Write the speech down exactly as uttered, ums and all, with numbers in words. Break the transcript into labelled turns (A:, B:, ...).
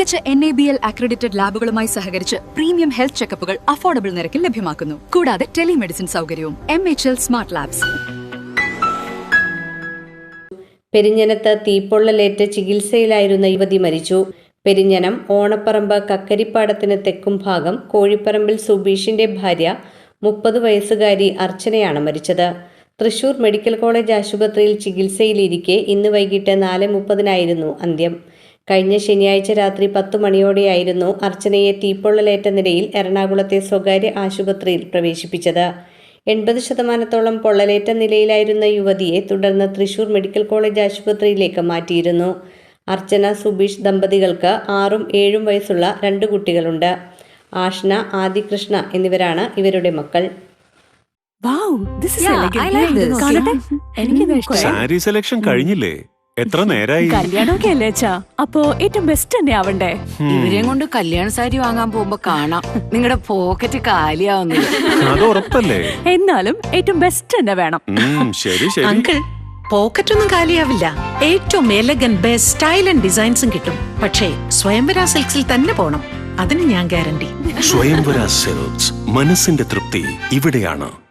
A: മികച്ച N A B L accredited ലാബുകളുമായി സഹകരിച്ച് പ്രീമിയം ഹെൽത്ത് ചെക്കപ്പുകൾ അഫോർഡബിൾ നിരക്കിൽ ലഭ്യമാക്കുന്നു. കൂടാതെ ടെലിമെഡിസിൻ സൗകര്യവും. M H L smart labs.
B: പെരിഞ്ഞനത്ത് തീപ്പൊള്ളലേറ്റ് ചികിത്സയിലായിരുന്ന യുവതി മരിച്ചു. പെരിഞ്ഞനം ഓണപ്പറമ്പ് കക്കരിപ്പാടത്തിന് തെക്കും ഭാഗം കോഴിപ്പറമ്പിൽ സുബീഷിന്റെ ഭാര്യ മുപ്പത് വയസ്സുകാരി അർച്ചനയാണ് മരിച്ചത്. തൃശൂർ മെഡിക്കൽ കോളേജ് ആശുപത്രിയിൽ ചികിത്സയിലിരിക്കെ ഇന്ന് വൈകിട്ട് നാല് മുപ്പതിനായിരുന്നു അന്ത്യം. കഴിഞ്ഞ ശനിയാഴ്ച രാത്രി പത്തു മണിയോടെയായിരുന്നു അർച്ചനയെ തീപ്പൊള്ളലേറ്റ നിലയിൽ എറണാകുളത്തെ സ്വകാര്യ ആശുപത്രിയിൽ പ്രവേശിപ്പിച്ചത്. എൺപത് ശതമാനത്തോളം പൊള്ളലേറ്റ നിലയിലായിരുന്ന യുവതിയെ തുടർന്ന് തൃശൂർ മെഡിക്കൽ കോളേജ് ആശുപത്രിയിലേക്ക് മാറ്റിയിരുന്നു. അർച്ചന സുബീഷ് ദമ്പതികൾക്ക് ആറും ഏഴും വയസ്സുള്ള രണ്ട് കുട്ടികളുണ്ട്. ആഷ്ന, ആദികൃഷ്ണ എന്നിവരാണ് ഇവരുടെ മക്കൾ.
C: സാരി സെലക്ഷൻ കഴിഞ്ഞില്ലേ? എത്ര നേരായി?
D: കല്യാണമൊക്കെ അല്ലേ അച്ഛാ, അപ്പോ ഏറ്റവും ബെസ്റ്റ് തന്നെ ആവണ്ടേ.
E: ഇവരെയും കൊണ്ട് കല്യാണ സാരി വാങ്ങാൻ പോകുമ്പോ കാണാം നിങ്ങളുടെ പോക്കറ്റ് കാലിയാവുന്നത്.
C: അത് ഉറപ്പല്ലേ?
D: എന്നാലും ഏറ്റവും ബെസ്റ്റ് തന്നെ വേണം.
C: ശരി ശരി
F: അങ്കിൾ, പോക്കറ്റ് ഒന്നും കാലിയാവില്ല. ഏറ്റവും എലഗൻ ബെസ്റ്റ് സ്റ്റൈൽ ആൻഡ് ഡിസൈൻസും കിട്ടും. പക്ഷേ സ്വയംവര സിൽക്സിൽ തന്നെ പോണം, അതിന് ഞാൻ ഗ്യാരണ്ടി.
C: സ്വയംവര സിൽക്സ്, മനസ്സിന്റെ തൃപ്തി ഇവിടെയാണ്.